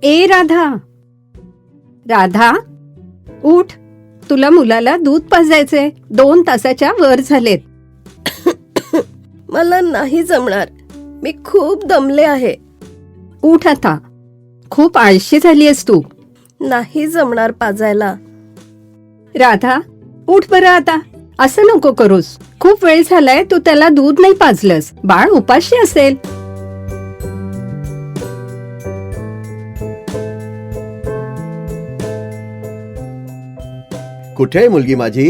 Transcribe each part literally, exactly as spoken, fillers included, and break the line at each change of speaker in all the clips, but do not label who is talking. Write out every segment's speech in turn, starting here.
ए राधा, राधा उठ, तुला मुलाला दूध पाजायचे. दोन तासाच्या वर झालेत.
मला नाही जमणार, मी खूप दमले आहे.
उठ आता, खूप आळशी झालीयस तू.
नाही जमणार पाजायला.
राधा उठ बरं आता, असं नको करूस. खूप वेळ झालाय तू त्याला दूध नाही पाजलंस. बाळ उपाशी असेल.
कुठे आहे मुलगी माझी?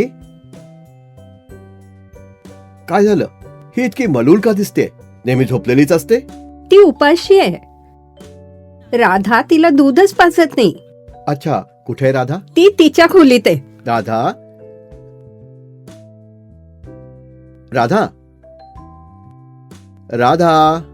काय झालं? ही इतकी मलूल का दिसते? नेहमी झोपलेलीच असते.
ती उपाशी आहे. राधा तिला दूधच पाजत नाही.
अच्छा, कुठे आहे राधा?
ती तिच्या खोलीत आहे.
राधा, राधा, राधा,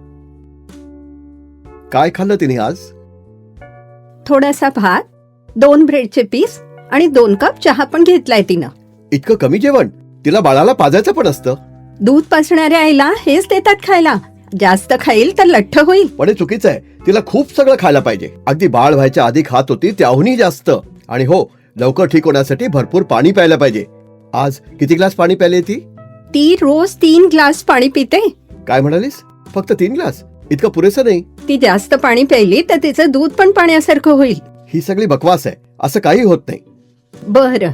काय खाल्लं तिने आज?
थोडासा भात, दोन ब्रेडचे पीस आणि दोन कप चहा पण घेतलाय तिनं.
इतकं कमी जेवण? तिला बाळाला पाजायचं पण असतं.
दूध पाजणाऱ्या आईला हेच देतात खायला. जास्त खाईल तर लठ्ठ होईल.
पण हे चुकीचं आहे. तिला खूप सगळं खायला पाहिजे. अगदी बाळ व्हायच्या आधी खात होती त्याहूनही जास्त. आणि हो, लवकर ठीक होण्यासाठी भरपूर पाणी प्यायला पाहिजे. आज किती ग्लास पाणी प्यायले ती?
ती रोज तीन ग्लास पाणी पिते.
काय म्हणालीस? फक्त तीन ग्लास? इतकं पुरेसं नाही.
ती जास्त पाणी प्यायली तर तिचं दूध पण पाण्यासारखं होईल.
ही सगळी बकवास आहे. असं काही होत नाही.
बरं.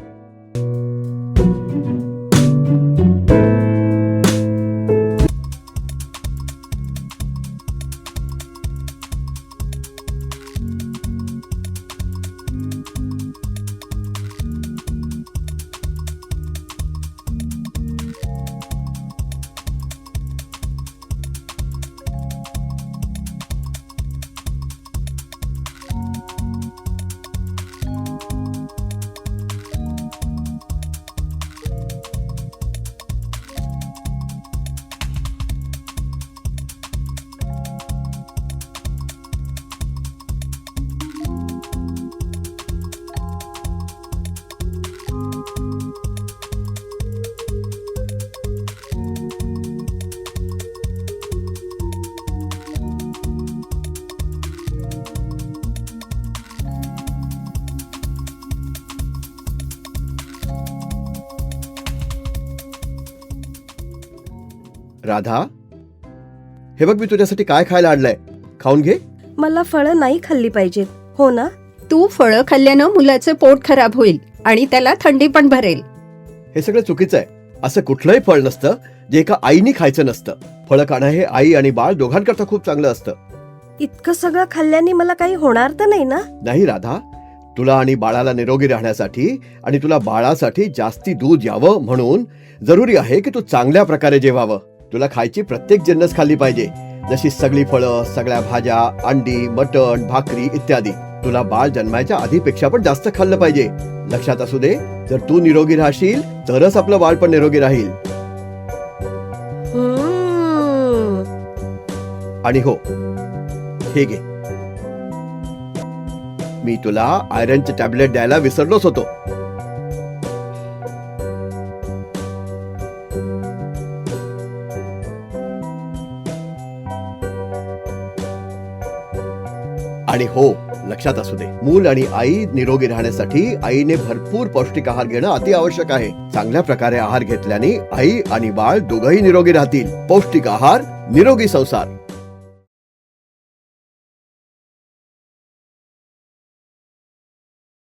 राधा, हे बघ मी तुझ्यासाठी काय खायला आणलंय. खाऊन घे.
मला फळं नाही खाल्ली पाहिजेत, हो ना?
तू फळं खाल्ल्यानं मुलाचं पोट खराब होईल आणि त्याला थंडी पण भरेल.
हे सगळं चुकीचं आहे. असं कुठलंही फळ नसतं जे एका आईनी खायचं नसतं. फळं खाणं हे आई आणि बाळ दोघांकरता खूप चांगलं असतं.
इतकं सगळं खाल्ल्याने मला काही होणार तर नाही ना?
नाही राधा, तुला आणि बाळाला निरोगी राहण्यासाठी आणि तुला बाळासाठी जास्ती दूध यावं म्हणून जरुरी आहे की तू चांगल्या प्रकारे जेवावं. तुला खायची प्रत्येक जिन्नस खाल्ली पाहिजे, जशी सगळी फळं, सगळ्या भाज्या, अंडी, मटण, भाकरी इत्यादी. तुला बाळ जन्मायच्या आधीपेक्षा पण जास्त खाल्लं पाहिजे. लक्षात असू दे, जर तू निरोगी राहशील तरच आपलं बाळ पण निरोगी राहील.
हम्म.
आणि हो, हे घे, मी तुला आयरनचे टॅबलेट द्यायला विसरलोच होतो. आणि हो, लक्षात असू दे, मूल आणि आई निरोगी राहण्यासाठी आईने भरपूर पौष्टिक आहार घेणं अति आवश्यक आहे. चांगल्या प्रकारे आहार घेतल्याने आई आणि बाळ दोघंही निरोगी राहतील. पौष्टिक आहार, निरोगी संसार.